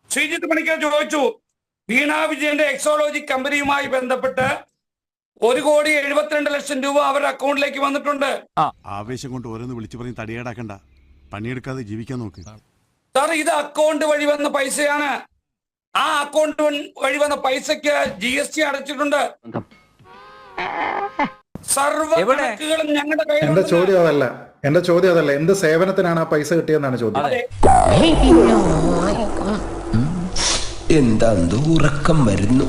ശ്രീജിത്ത് പണിക്കർ ചോദിച്ചു, വീണ വിജയന്റെ എക്സോളജി കമ്പനിയുമായി ബന്ധപ്പെട്ട് 1,72,00,000 രൂപ അവരുടെ അക്കൗണ്ടിലേക്ക് വന്നിട്ടുണ്ട്. ആവേശം കൊണ്ട് ഓരോന്ന് വിളിച്ചു പറഞ്ഞ് തടിയേടാക്കണ്ട, പണിയെടുക്കാതെ ജീവിക്കാൻ നോക്ക്. സാർ, ഇത് അക്കൗണ്ട് വഴി വന്ന പൈസയാണ്. ആ അക്കൗണ്ട് വഴി വന്ന പൈസക്ക് GST അടച്ചിട്ടുണ്ട്. സർവ്വ കണക്കുകളും ഞങ്ങളുടെ കയ്യിൽ. എന്റെ ചോദ്യം അതല്ല, എന്ത് സേവനത്തിനാണ് ആ പൈസ കിട്ടിയെന്നാണ് ചോദ്യം. എന്താ ഉറക്കം വരുന്നു.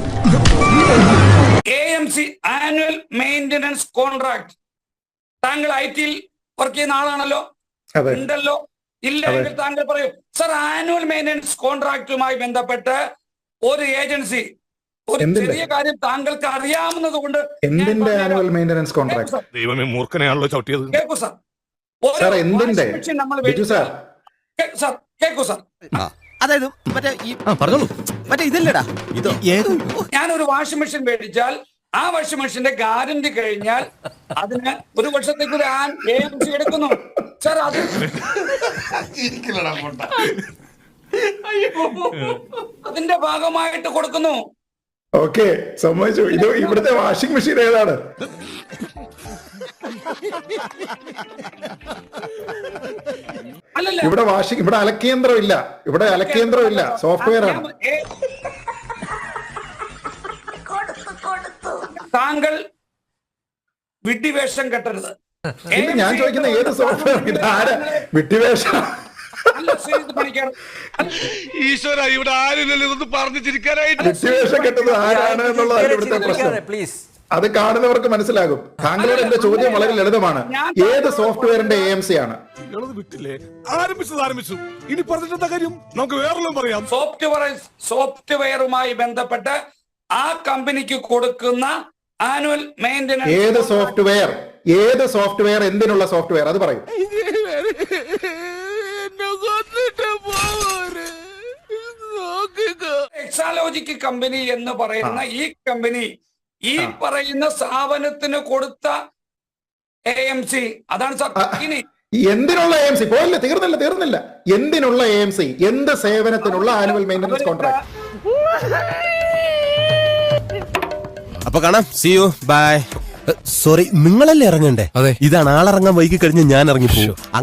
AMC annual maintenance contract. താങ്കൾ IT വർക്ക് ചെയ്യുന്ന ആളാണല്ലോ, ഉണ്ടല്ലോ? ഇല്ല എങ്കിൽ താങ്കൾ പറയൂ. സർ, ആനുവൽ മെയിന്റനൻസ് കോൺട്രാക്റ്റുമായി ബന്ധപ്പെട്ട് ഒരു ഏജൻസി ഒരു ചെറിയ കാര്യം താങ്കൾക്ക് അറിയാവുന്നത് കൊണ്ട് എന്തിന്റെ ആനുവൽ മെയിന്റനൻസ് കോൺട്രാക്ട്? ദൈവമേ, മൂർഖനെയാണല്ലോ ചവിട്ടിയത്. കേൾക്കൂ സാർ, എന്തിന്റെ? കേൾക്കൂ സാർ, അതായത് മറ്റേ ഇതല്ലടാ, ഞാനൊരു വാഷിംഗ് മെഷീൻ മേടിച്ചാൽ ആ വാഷിംഗ് മെഷീന്റെ ഗ്യാരണ്ടി കഴിഞ്ഞാൽ അതിന് 1 വർഷത്തേക്ക് ഒരു AMC എടുക്കുന്നു സാർ. അത് അതിന്റെ ഭാഗമായിട്ട് കൊടുക്കുന്നു. ഓക്കെ, സമ്മതിച്ചു. ഇത് ഇവിടുത്തെ വാഷിംഗ് മെഷീൻ ഏതാണ്? അല്ലല്ല, ഇവിടെ അലക്കേന്ദ്രം ഇല്ല, സോഫ്റ്റ്വെയർ ആണ്. താങ്കൾ വിഡ്ഢിവേഷം കെട്ടരുത്. ഞാൻ ചോദിക്കുന്ന ഏത് സോഫ്റ്റ്വെയർ? ഇത് ആരാ വിഡ്ഢിവേഷം? ഈശ്വര, ഇവിടെ ആരില്ലല്ലോ ഇതൊന്ന് പറഞ്ഞു ചിരിക്കാനായിട്ട്. വിഡ്ഢിവേഷം കെട്ടത് ആരാണ് എന്നുള്ളതാണ് ഇവിടുത്തെ പ്രശ്നം. അത് കാണുന്നവർക്ക് മനസ്സിലാകും. താങ്കളോട് എന്റെ ചോദ്യം വളരെ ലളിതമാണ്. ഏത് സോഫ്റ്റ്വെയറിന്റെ AMC ആണ്? വിട്ടില്ലേ, ആരംഭിച്ചു. ഇനി പറഞ്ഞിട്ടെന്താ കാര്യം? നമുക്ക് വേറെല്ലാം പറയാം. സോഫ്റ്റ്വെയറുമായി ബന്ധപ്പെട്ട് ആ കമ്പനിക്ക് കൊടുക്കുന്ന ആനുവൽ മെയിന്റനൻസ്. ഏത് സോഫ്റ്റ്വെയർ? എന്തിനുള്ള സോഫ്റ്റ്വെയർ അത് പറയും. എക്സാലോജിക് കമ്പനി എന്ന് പറയുന്ന ഈ കമ്പനി ഈ പറയുന്ന സ്ഥാപനത്തിന് കൊടുത്ത AMC അതാണ് സാർ. ഇനി എന്തിനുള്ള AMC? പോയില്ല, തീർന്നില്ല. എന്തിനുള്ള AMC? എന്ത് സേവനത്തിനുള്ള ആനുവൽ മെയിന്റനൻസ് കോൺട്രാക്ട്? അപ്പൊ കാണാം. See you. Bye. സോറി, നിങ്ങളല്ലേ ഇറങ്ങണ്ടേ? ഇതാണ് ആളിറങ്ങാൻ വൈകി കഴിഞ്ഞ് ഞാൻ ഇറങ്ങിപ്പോ.